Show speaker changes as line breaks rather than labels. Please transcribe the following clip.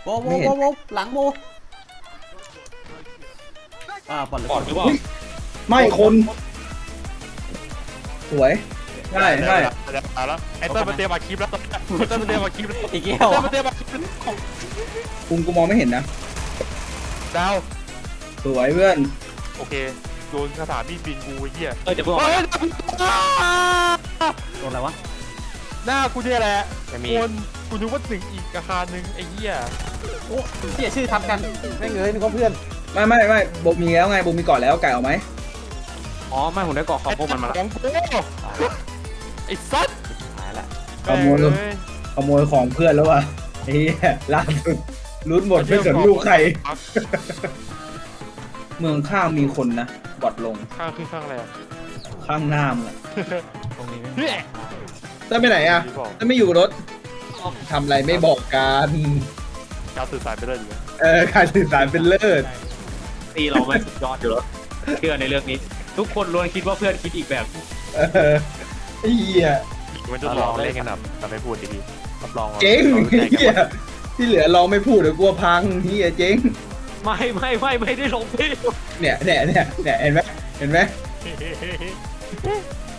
โบโบโบโบหลังโบปอดหรือ
ปอดหรือเปล่า
ไม่คนสวยใช่ใช่
แล้วไอ้เต้ยมันเตรียมมาคลิปแล้วเต้ยมันเตรียมมาคลิปแล้ว
อีกแก้ว
เต้ยมันเตรียมมาคลิปแล้ว
กูมองไม่เห็นนะ
ดาว
สวยเพื่อน
โอเคโดนคาถามีดบินกูไอ้เหี้ย
เดี๋ยวเพิ่งออก
เฮ้ย
โดนอะไรวะ
หน้ากูเนี่ยแหละ
ไม่มี
คนกูนึกว่าหนึ่งอีกอาคารหนึ่งไอ้เหี้ย
โอ้เสียชื่อทำกันแม่งเอ้ยนึกว่าเพื่อน
ไม่โบมีแล้วไงโบมีก่อนแล้วไก่เอาไหม
อ๋อไม่ผมได้เกาะขอบพวกมันมา
ข
แล้ว
องกูไอ้สัส
หายละ
ขโมยของเพื่อนแล้วว่ะเฮียล่าสุดลุ้นหมดไม่สนลูกใคร เมืองข้างมีคนนะบอดลง
ข้างขึ้นข้างอะไรอ่ะ
ข้างหน้ามึงอะ
ตรงนี้
เฮ้ย
ต้นไปไหนอ่ะต้นไม่อยู่กับรถทำอะไรไม่บอกกัน
การสื่อสารไปเลยดีไหม
การสื่อสารเป็นเลิศ
ตีเราไม่สุดยอดอยู่แล้วเชื่อในเรื่องนี้ ทุกคนล้วนคิดว่าเพื่อนคิดอีกแบบ
เออเฮีย
มันจะลองเล่นกันแบบไม่พูดดีๆรับรอง
เจ๊งเฮียที่เหลือลองไม่พูดเดี๋ยวกลัวพังเฮียเจ๊ง
ไม่ได้ลงพี่
เนี่ยเห็นไหม